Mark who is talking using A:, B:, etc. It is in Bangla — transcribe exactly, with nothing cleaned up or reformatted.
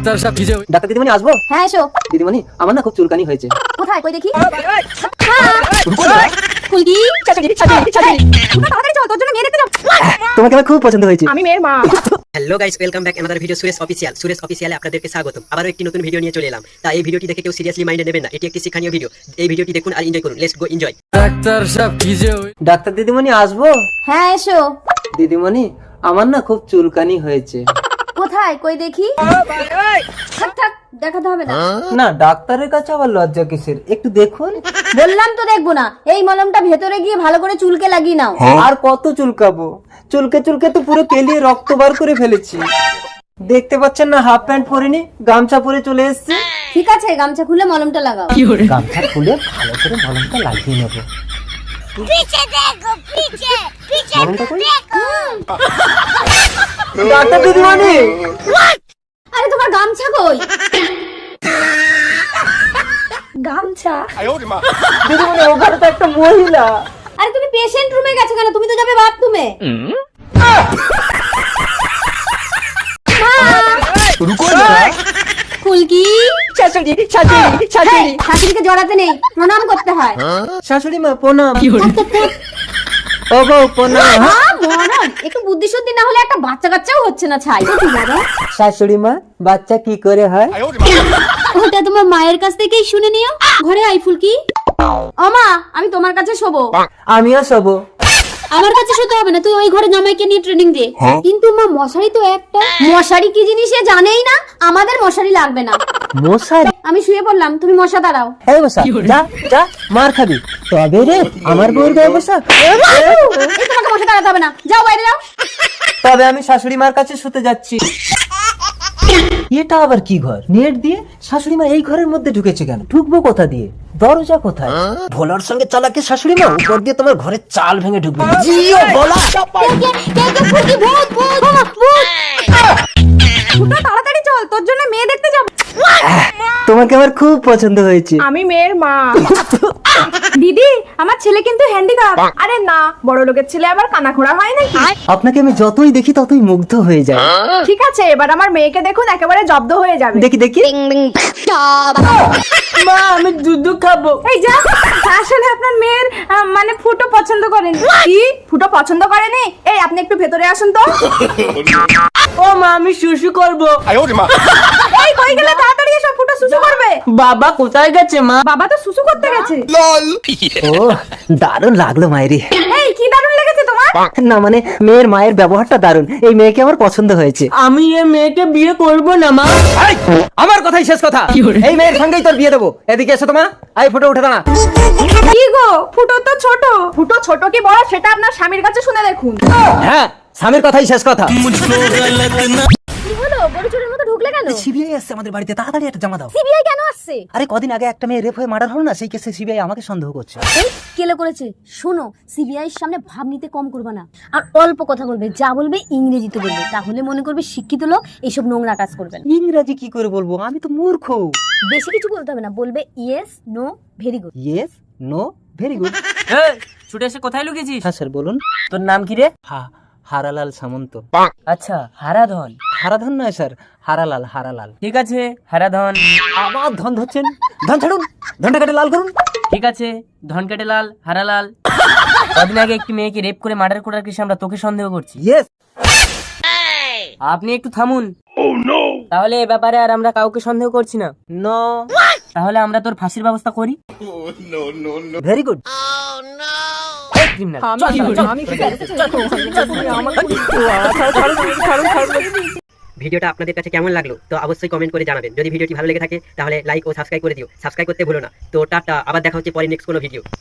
A: ডাক্তার সাহেব কি যে
B: ডাক্তার দিদিমণি আসবো?
C: হ্যাঁ এসো।
B: দিদিমণি আমার না খুব চুলকানি হয়েছে।
C: কোথায় কই দেখি? ফুলকি তাড়াতাড়ি চল, তোর জন্য মেয়ে দেখতে যাব।
B: তোমাকে আমার খুব পছন্দ হয়েছে।
C: আমি মেয়ের মা।
D: Hello guys, welcome back another video Suresh official. Suresh অফিসিয়ালে আপনাদেরকে স্বাগতম। আবারও একটি নতুন ভিডিও নিয়ে চলে এলাম। তাই এই ভিডিওটি দেখে কেউ সিরিয়াসলি মাইন্ডে নেবেন না, এটি একটি শিক্ষণীয় ভিডিও। এই ভিডিওটি দেখুন আর এনজয় করুন। Let's go enjoy.
A: ডাক্তার সাহেব কি যে
B: ডাক্তার দিদিমণি আসবো?
C: হ্যাঁ এসো।
B: দিদিমণি আমার না খুব চুলকানি হয়েছে।
C: কোথায় কই দেখি? থাক থাক, দেখাতে হবে না।
B: না ডাক্তারের কাছে আবার লজ্জা কিসের, একটু দেখুন।
C: বললাম তো দেখবো না। এই মলমটা ভেতরে গিয়ে ভালো করে চুলকে লাগিয়ে নাও।
B: আর কত চুলকাবো? চুলকে চুলকে তো পুরো কেলিয়ে রক্ত বার করে ফেলেছি। দেখতে পাচ্ছেন না, হাফ প্যান্ট পরিনি, গামছা পরে চলে এসেছি।
C: ঠিক আছে, গামছা খুলে মলমটা লাগাও।
B: গামছা খুলে ভালো করে মলমটা লাগিয়ে নেব।
E: पीछे देखो, पीछे पीछे
B: মলমটা কই?
E: देखो।
B: ডাক্তার দিদিমণি
C: আরে তোমার গামছা কই? গামছা?
B: দিদিমণি ওখানে তো একটা মহিলা।
C: আরে তুমি পেশেন্ট রুমে গেছো কেন? তুমি তো যাবে বাথরুমে। ফুলকি
B: শাশুড়ি শাশুড়ি শাশুড়ি
C: শাশুড়িকে জড়াতে নেই, প্রণাম করতে হয়।
B: শাশুড়ি মা প্রণাম। ও বউ প্রণাম।
C: আহ, মরণ। একটু বুদ্ধি শুদ্ধি না হলে একটা বাচ্চা কাচ্চাও হচ্ছে না। ছাই
B: শাশুড়ি মা বাচ্চা কি করে হয়?
C: ওটা তোমার মায়ের কাছ থেকেই শুনে নিও। ঘরে আই ফুলকি। ও মা, আমি তোমার কাছে শোবো।
B: আমিও শোবো।
C: আমার কাছে শুতে হবে না, তুই ওই ঘরে জামাইকে নিয়ে ট্রেনিং দে। কিন্তু মা মশারি তো একটা। মশারি কি জিনিস এ জানেই না। আমাদের মশারি লাগবে না।
B: মশারি?
C: আমি শুয়ে পড়লাম, তুমি মশা দাঁড়াও।
B: এই বসা, যা যা মার খাবি। তবে রে আমার বউর গায়ে বসা।
C: এই তোমাকে মশা দাঁড়াতে হবে না, যাও বাইরে যাও।
B: তবে আমি শাশুড়ি মার কাছে শুতে যাচ্ছি। এটা আবার কি ঘর? নেট দিয়ে? শাশুড়ি মা এই ঘরের মধ্যে ঢুকেছে কেন? ঢুকবো কোথা দিয়ে? দরজা কোথায়? ভোলার সঙ্গে চালাকি শাশুড়ি মা, উপর দিয়ে তোমার ঘরের চাল ভেঙে ঢুকবে। জিও ভোলা।
C: তাড়াতাড়ি চল, তোর জন্য মেয়ে দেখতে যাব।
B: তোমাকে আমার খুব পছন্দ হয়েছে।
C: আমি মেয়ের মা। দিদি, আমার ছেলে কিন্তু হ্যান্ডিক্যাপ। আরে না, বড় লোকের ছেলে আবার কানাখোড়া হয় নাকি?
B: আপনাকে আমি যতই দেখি ততই মুগ্ধ হয়ে যায়।
C: ঠিক আছে, এবার আমার মেয়েকে দেখুন, একেবারে জব্দ হয়ে যাবে।
B: দেখি দেখি। মা আমি দুধ খাবো।
C: এই যা, আসলে আপনার মেয়ের আহ, মানে ফুটো পছন্দ করেন। কি ফুটো পছন্দ করেনি? এই আপনি একটু ভেতরে আসুন তো।
B: ও মা আমি শুশু করবো।
C: এই কই গেলে? তাড়াতাড়ি এসো, ফুটো সুসু করবে।
B: বাবা কোথায় গেছে মা?
C: বাবা তো সুসু করতে গেছে।
B: ও দারুণ লাগলো মায়েরি।
C: এই কি দারুণ লেগেছে তোমার?
B: না মানে মেয়ের মায়ের ব্যবহারটা দারুণ। এই মেয়েকে আমার পছন্দ হয়েছে। আমি এই মেয়েকে বিয়ে করব না মা। আমার কথাই শেষ কথা। এই মেয়ের সঙ্গেই তোর বিয়ে দেবো। এদিকে এসো তোমা। আই ফটো উঠে দাঁড়া।
C: কি গো, ফুটো তো ছোট। ফুটো ছোট কি বড় সেটা আপনার স্বামীর কাছে শুনে দেখুন।
B: হ্যাঁ স্বামীর কথাই শেষ কথা।
C: কি হলো, গরু চোরের মতো ঢুকলে কেন?
B: সিবিআই আসছে আমাদের বাড়িতে, তাড়াতাড়ি একটা জমা দাও।
C: সিবিআই কেন আসছে?
B: আরে কদিন আগে একটা মেয়ে রেপ হয়ে মার্ডার হলো না, সেই কেসে সিবিআই আমাকে সন্দেহ করছে।
C: এই কেলে করেছে? শোনো, সিবিআই এর সামনে ভাব নিতে কম করবে না, আর অল্প কথা বলবে। যা বলবে ইংরেজিতে বলবে, তাহলে মনে করবে শিক্ষিত লোক এইসব নোংরা কাজ করবে না।
B: ইংরাজি কি করে বলবো? আমি তো মূর্খ।
C: বেশি কিছু বলতে হবে না, বলবে yes no very good.
B: Yes no very good.
F: ছুটে এসে কোথায় লুকিয়েছিস?
B: হ্যাঁ স্যার বলুন।
F: তোর নাম কি রে?
B: হা হারালাল সামন্ত।
F: আচ্ছা, হারাধন।
B: হারাধন নয় স্যার, হারালাল হারালাল।
F: ঠিক আছে, হারাধন।
B: আবার ধন ধরছেন। ধন ছাড়ুন, ধনটা কেটে লাল করুন।
F: ঠিক আছে, ধন কেটে লাল, হারালাল। কদিন আগে একটি মেয়েকে রেপ করে মার্ডার করার কেসে আমরা তোকে সন্দেহ করছি।
B: ইয়েস।
F: আপনি একটু থামুন। তাহলে এ ব্যাপারে আর আমরা কাউকে সন্দেহ করছি না।
B: নো।
F: তাহলে আমরা তোর ফাঁসির ব্যবস্থা করি।
B: Very good.
D: ভিডিওটা আপনাদের কাছে কেমন লাগলো তো অবশ্যই কমেন্ট করে জানাবেন। যদি ভিডিওটি ভালো লেগে থাকে তাহলে লাইক ও সাবস্ক্রাইব করে দিও। সাবস্ক্রাইব করতে ভুলো না। তো টাটা, আবার দেখা হচ্ছে পরে নেক্সট কোনো ভিডিও।